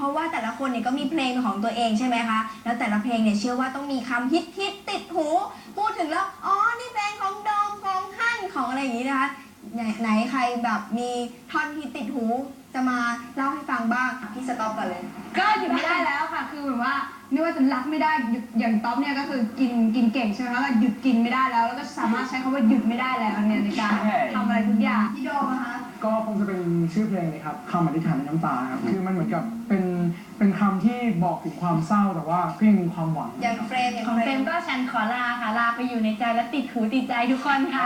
ราะว่าแต่ละคนเนี่ยก็มีเพลงของตัวเองใช่ไหมคะแล้วแต่ละเพลงเนี่ยเชื่อว่าต้องมีคำฮิตติดหูพูดถึงแล้วอ๋อนี่เพลงของโดมของฮั่นของอะไรอย่างนี้นะคะไหนใครแบบมีท่อนฮิตติดหูจะมาเล่าให้ฟังบ้างพี่สต๊อปก่อนเลยก็หยุดไม่ได้แล้วค่ะคือแบบว่าไม่ว่าจะรักไม่ได้หยุดอย่างต๊อปเนี่ยก็คือกินเก่งใช่ไหมคะหยุดกินไม่ได้แล้วก็สามารถใช้คำว่าหยุดไม่ได้แล้วเนี่ยในการทำอะไรทุกอย่างพี่โดมนะคะก็คงจะเป็นชื่อเพลงนี้ครับคำอธิษฐานในน้ำตาครับคือมันเหมือนกับเป็นคำที่บอกถึงความเศร้าแต่ว่าก็ยังมีความหวังอย่างเฟรมของเฟรมก็ฉันขอลาค่ะลาไปอยู่ในใจและติดหูติดใจทุกคนค่ะ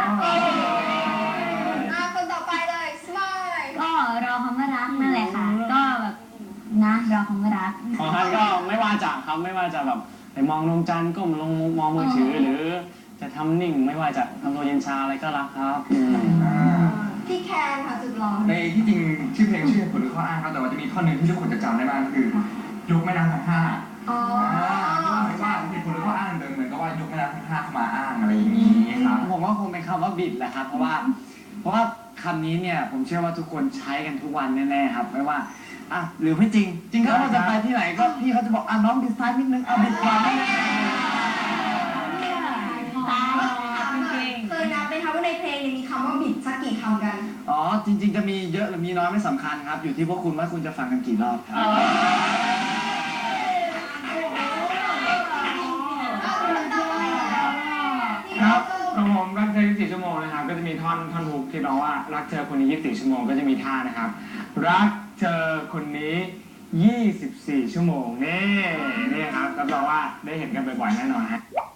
คนต่อไปเลยสมายก็รอคำว่ารักนั่นแหละค่ะก็แบบนะรอคำว่ารักของท่านก็ไม่ว่าจะครับไม่ว่าจะแบบไปมองดวงจันทร์ก้มลงมองมือถือหรือจะทำนิ่งไม่ว่าจะทำตัวเย็นชาอะไรก็รักครับพี่แคนค่ะสุดหล่อในที่จริงชื่อเพลงชื่อผลหรือข้ออ้างครับแต่ว่าจะมีท่อนหนึ่งที่ทุกคนจะจำได้มากคือยกแม่น้ำทั้งห้าว่าเหตุผลหรือข้ออ้างเดิมเหมือนกับว่ายกแม่น้ำทั้งห้าเข้ามาอ้างอะไรอย่างนี้ครับผมว่าคงเป็นคำว่าบิดแหละครับเพราะว่าคำนี้เนี่ยผมเชื่อว่าทุกคนใช้กันทุกวันแน่ๆครับไม่ว่าหรือไม่จริงจริงถ้าเราจะไปที่ไหนก็พี่เขาจะบอกน้องบิดซ้ายนิดนึงบิดขวานิดนึงเคยนับไหมคะว่าในเพลงมีคำว่าบิดสักกี่คำกันจริงๆจะมีเยอะหรือมีน้อยไม่สำคัญครับอยู่ที่พวกคุณว่าคุณจะฟังกันกี่รอบครับครับของผมรักเธอ24 ชั่วโมงนะครับก็จะมีท่อนฮุกที่ร้องว่ารักเธอคนนี้24 ชั่วโมงก็จะมีท่านะครับรักเธอคนนี้24 ชั่วโมงนี่ครับรับรองว่าได้เห็นกันบ่อยๆแน่นอนฮะ